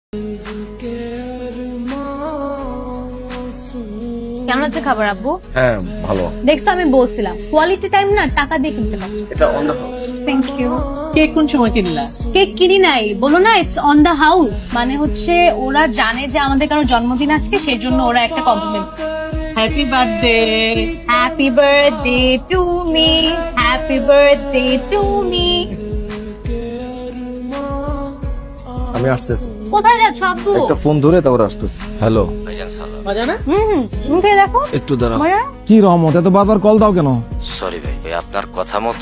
কেমন আছে খাবার আব্বু? হ্যাঁ ভালো। দেখছো আমি বলছিলাম কোয়ালিটি টাইম না টাকা দিয়ে কিনতে হবে। এটা on the house. Thank you. Cake কোন সময় কিনলা? কেক কিনি নাই, বলো না ইটস অন দ্য হাউস, মানে হচ্ছে ওরা জানে যে আমাদের কারো জন্মদিন আজকে, সেই জন্য ওরা একটা compliment. Happy birthday. Happy birthday to me, happy birthday to me. আমি আসতেছি। কোথায় যাচ্ছ আব্বু? একটা ফোন ধরে তারপর আসতেছি। হ্যালো। মজা না? মুখে দেখো। একটু দাঁড়াও। মজা? কি রহমত, এত বারবার কল দাও কেন? সরি ভাই, আপনার কথা মতো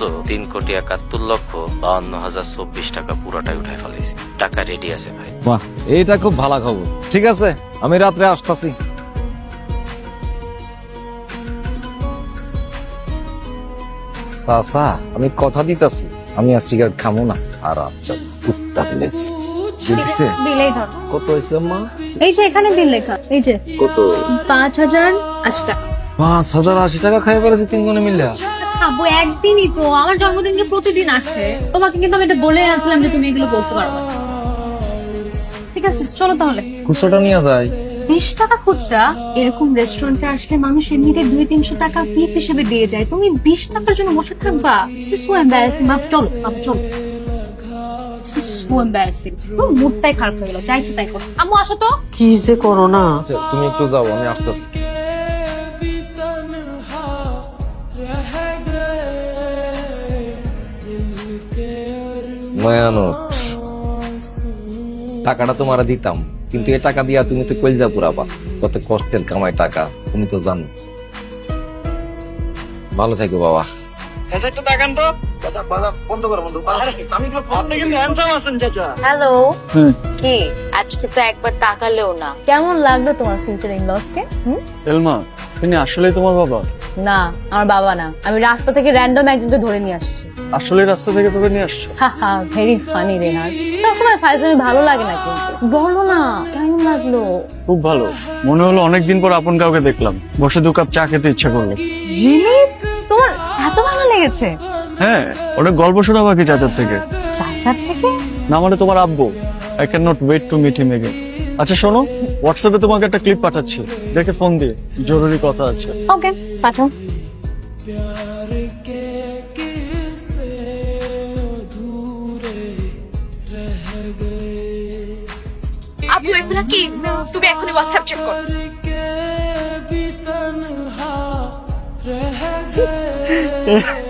3,71,52,024 টাকা পুরোটাই উঠাই ফেলেছি। টাকা রেডি আছে ভাই। বাহ, এইটা খুব ভালো খবর। ঠিক আছে, আমি রাত্রে আসতেছি। সাসা, আমি কথা দিতাছি আমি আর সিগারেট খামো না। আর আচ্ছা কুত্তা প্লেস দিছে। বিলেই ধর। কত হয়েছে মা? এই যে এখানে বিল লেখা, এই যে কত? 5,080 টাকা। 5,080 টাকা খাই ফেলেছে তিনজনে মিলে। আচ্ছা আব্বু, একদিনই তো, আমার জন্মদিনকে প্রতিদিন আসে। তোমাকে কিন্তু আমি এটা বলে আসলাম যে তুমি এগুলো বলতে পারবে না। ঠিক আছে চলো তাহলে। খুচরোটা নিয়ে যায়। 20 টাকা খুচরা? এরকম রেস্টুরেন্টে আসলে মানুষ এমনিতে 200-300 টাকা টিপ হিসেবে দিয়ে যায়, তুমি 20 টাকার জন্য বসে থাকবা? So embarrassing. চলো চলো। So embarrassing. মুডটাই খারাপ হয়ে গেল, চাইছে তাই করো। আম্মু আসো তো। কি যে করো না। আচ্ছা, তুমি একটু যাও, আমি আসতেছি। মায়ানট, টাকাটা তোমার দিতাম, কিন্তু এ টাকা দিয়া তুমি তো কলজা পুরাবা। কত কষ্টের কামাই টাকা, তুমি তো জানো। ভালো থাকো বাবা। একটু তাকান তো। বন্ধ করো বন্ধু। আপনি কিন্তু হ্যান্ডসাম আছেন চাচা। হ্যালো। কি আজকে তো একবার তাকালেও না। কেমন লাগলো তোমার ফিউচার ইন লস কে? এলমা, তিনি আসলে তোমার বাবা? না, আমার বাবা না, আমি রাস্তা থেকে র্যান্ডম একজনকে ধরে নিয়ে আসছি। আসলে রাস্তা থেকে তোকে নিয়ে আসছো? হাহা, ভেরি ফানি রেহান। সবসময় ফাইজলামি ভালো লাগে না, কিন্তু বলো না কেমন লাগলো? খুব ভালো। মনে হলো অনেকদিন পর আপন কাউকে দেখলাম। বসে 2 কাপ চা খেতে ইচ্ছে করলো। রিলি? তোমার এত ভালো লেগেছে? হ্যাঁ, ওটা গল্প শোনা বাকি চাচার থেকে। চাচার থেকে? না মানে তোমার আব্বু। I can not wait to meet him again. আচ্ছা শোনো, হোয়াটসঅ্যাপে তোমাকে একটা ক্লিপ পাঠাচ্ছি, দেখে ফোন দিয়ে, জরুরি কথা আছে। ওকে পাঠাও। আপু এগুলা কি? তুমি এখনই হোয়াটসঅ্যাপ চেক করো।